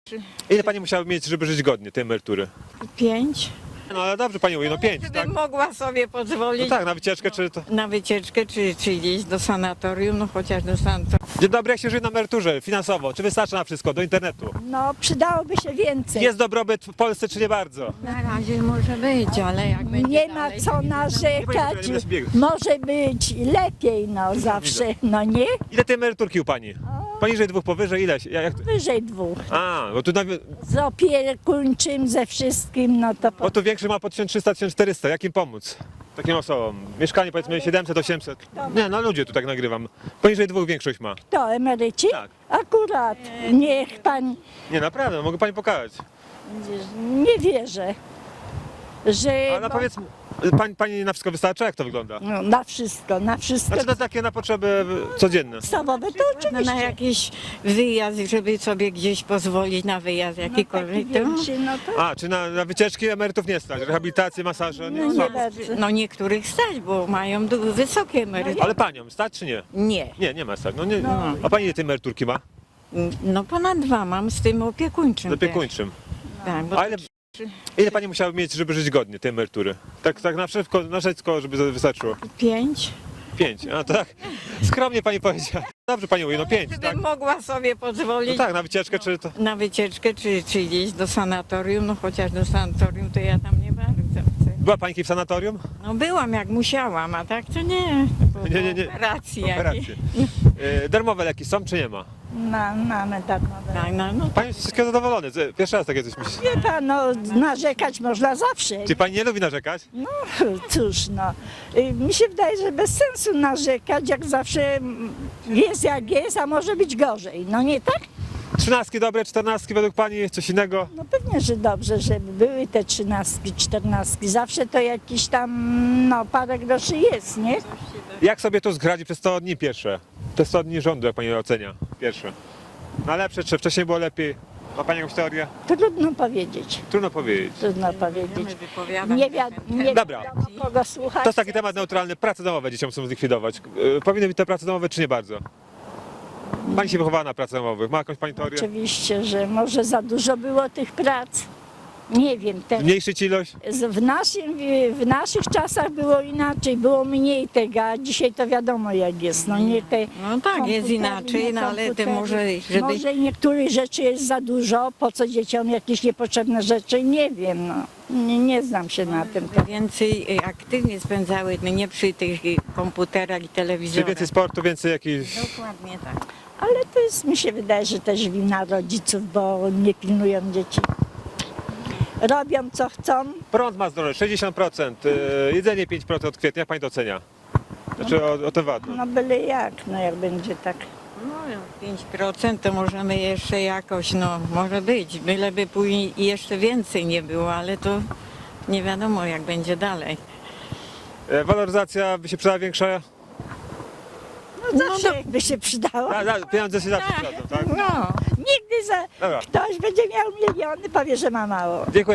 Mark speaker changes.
Speaker 1: Ile pani musiała mieć, żeby żyć godnie tej emerytury?
Speaker 2: 5.
Speaker 1: No ale dobrze pani mówi, no 5, tak?
Speaker 2: Gdybym mogła sobie
Speaker 1: No
Speaker 2: pozwolić
Speaker 1: tak, na wycieczkę czy to...
Speaker 2: na wycieczkę, czy gdzieś do sanatorium, no chociaż do sanatorium.
Speaker 1: Dzień dobry, jak się żyje na emeryturze finansowo? Czy wystarcza na wszystko, do internetu?
Speaker 3: No, przydałoby się więcej.
Speaker 1: Jest dobrobyt w Polsce czy nie bardzo?
Speaker 2: Na razie może być, ale jak będzie
Speaker 3: Nie ma
Speaker 2: dalej,
Speaker 3: co
Speaker 2: to
Speaker 3: narzekać.
Speaker 1: Nie będzie biegł.
Speaker 3: Może być lepiej, no zawsze, no nie?
Speaker 1: Ile tej emeryturki u pani? Poniżej 2, powyżej ile? Jak...
Speaker 3: Wyżej 2.
Speaker 1: A, bo tu,
Speaker 3: Z opiekuńczym, ze wszystkim, no to
Speaker 1: bo tu większy ma po 1300-1400, jak im pomóc? Takim osobom. Mieszkanie powiedzmy 700-800. Nie, no ludzie tu tak nagrywam. Poniżej 2 większość ma.
Speaker 3: to emeryci?
Speaker 1: Tak.
Speaker 3: Akurat, niech pan,
Speaker 1: Nie, naprawdę, mogę pani pokazać.
Speaker 3: nie wierzę, że
Speaker 1: Ale powiedz, pani na wszystko wystarcza? Jak to wygląda?
Speaker 3: no, na wszystko,
Speaker 1: Znaczy to takie na potrzeby codzienne.
Speaker 3: podstawowe, to
Speaker 2: na
Speaker 3: oczywiście.
Speaker 2: jakiś wyjazd, żeby sobie gdzieś pozwolić na wyjazd jakikolwiek.
Speaker 3: Taki większy, no to
Speaker 1: A, czy na wycieczki emerytów nie stać? Rehabilitację, masaże? Nie,
Speaker 3: nie
Speaker 1: słabo.
Speaker 3: bardzo.
Speaker 2: No niektórych stać, bo mają wysokie emerytury.
Speaker 1: Ale panią, stać czy nie?
Speaker 2: Nie.
Speaker 1: Nie ma stać. No, nie. A pani ile tej emeryturki ma?
Speaker 2: No ponad 2 mam z tym opiekuńczym.
Speaker 1: Z opiekuńczym.
Speaker 2: Tak, bo
Speaker 1: A ile pani musiała mieć, żeby żyć godnie tej emerytury? Tak na wszystko, żeby wystarczyło?
Speaker 2: 5.
Speaker 1: 5. A to tak skromnie pani powiedziała. Dobrze pani mówi, no 5, tak?
Speaker 2: Gdybym mogła sobie
Speaker 1: No
Speaker 2: pozwolić
Speaker 1: tak, na wycieczkę czy to...
Speaker 2: na wycieczkę, czy gdzieś do sanatorium, no chociaż do sanatorium to ja tam nie bardzo chcę.
Speaker 1: Była pani w sanatorium?
Speaker 2: No byłam jak musiałam, a tak to nie. Bo
Speaker 1: Nie.
Speaker 2: Operacji jakieś.
Speaker 1: Operacje. Darmowe leki są czy nie ma?
Speaker 3: Mamy darmowe.
Speaker 2: Tak, no,
Speaker 1: Pani jest wszystkiego zadowolony. Pierwszy raz takie coś myśli.
Speaker 3: Wie pan, no narzekać można zawsze.
Speaker 1: Czy pani nie lubi narzekać?
Speaker 3: No cóż, no. Mi się wydaje, że bez sensu narzekać, jak zawsze jest jak jest, a może być gorzej. No nie tak?
Speaker 1: 13 dobre, 14 według pani, coś innego?
Speaker 3: No pewnie, że dobrze, żeby były te 13, 14. Zawsze to jakiś tam, no parę groszy jest, nie?
Speaker 1: Jak sobie to zgradzi przez 100 dni pierwsze? Te 100 dni rządu, jak pani ocenia? Pierwsze. Na lepsze, czy wcześniej było lepiej? Ma pani jakąś teorię?
Speaker 3: Trudno powiedzieć,
Speaker 1: Trudno powiedzieć.
Speaker 3: trudno powiedzieć.
Speaker 2: będziemy wypowiadać.
Speaker 3: Nie
Speaker 1: Dobra.
Speaker 3: wiadomo kogo słuchać.
Speaker 1: To jest taki temat neutralny. Prace domowe dzieciom chcą zlikwidować. Powinny być te prace domowe, czy nie bardzo? Pani się wychowała na pracach domowych. Ma jakąś pani teorię?
Speaker 3: Oczywiście, że może za dużo było tych prac. Nie wiem,
Speaker 1: Zmniejszyć ilość?
Speaker 3: w naszych czasach było inaczej, było mniej tego, a dzisiaj to wiadomo jak jest. No nie te
Speaker 2: No tak, jest
Speaker 3: komputery,
Speaker 2: inaczej,
Speaker 3: nie
Speaker 2: no ale te
Speaker 3: komputery.
Speaker 2: może, żeby...
Speaker 3: Może niektórych rzeczy jest za dużo, po co dzieciom jakieś niepotrzebne rzeczy, nie wiem, no. Nie znam się na tym.
Speaker 2: Więcej aktywnie spędzały, no nie przy tych komputerach i
Speaker 1: Czy
Speaker 2: telewizorach.
Speaker 1: więcej sportu, więcej jakichś...
Speaker 2: Dokładnie tak.
Speaker 3: Ale to jest, mi się wydaje, że też wina rodziców, bo nie pilnują dzieci. Robią co chcą.
Speaker 1: Prąd ma zdrowie 60%, jedzenie 5% od kwietnia. Jak pani to ocenia? Znaczy o ten VAT.
Speaker 3: No byle jak, no jak będzie tak.
Speaker 2: No 5% to możemy jeszcze jakoś, no może być, byleby później jeszcze więcej nie było, ale to nie wiadomo jak będzie dalej.
Speaker 1: Waloryzacja by się przydała większa?
Speaker 3: No zawsze jakby się przydało.
Speaker 1: Pieniądze się zawsze przydadzą, tak?
Speaker 3: No, nigdy
Speaker 1: Dobra.
Speaker 3: ktoś będzie miał miliony, powie, że ma mało.
Speaker 1: Dziękuję.